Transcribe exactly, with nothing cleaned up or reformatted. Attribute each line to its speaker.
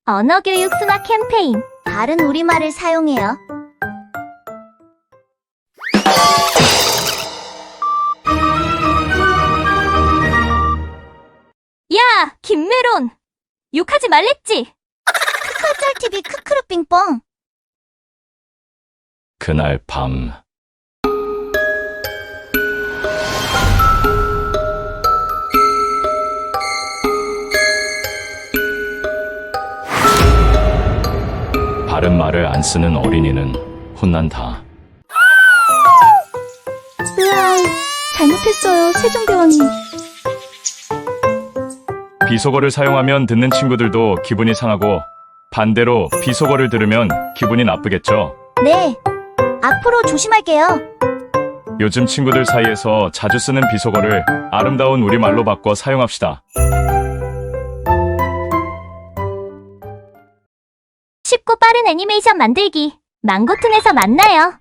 Speaker 1: 언어교육 순화 캠페인.
Speaker 2: 바른 우리말을 사용해요.
Speaker 1: 야, 김메론! 욕하지 말랬지?
Speaker 2: 크컬짤티비 크크루빙뽕.
Speaker 3: 그날 밤 바른 말을 안 쓰는 어린이는 혼난다.
Speaker 2: 으아, 잘못했어요, 세종대왕님.
Speaker 3: 비속어를 사용하면 듣는 친구들도 기분이 상하고 반대로 비속어를 들으면 기분이 나쁘겠죠.
Speaker 2: 네, 앞으로 조심할게요.
Speaker 3: 요즘 친구들 사이에서 자주 쓰는 비속어를 아름다운 우리말로 바꿔 사용합시다.
Speaker 1: 쉽고 빠른 애니메이션 만들기. 망고툰에서 만나요.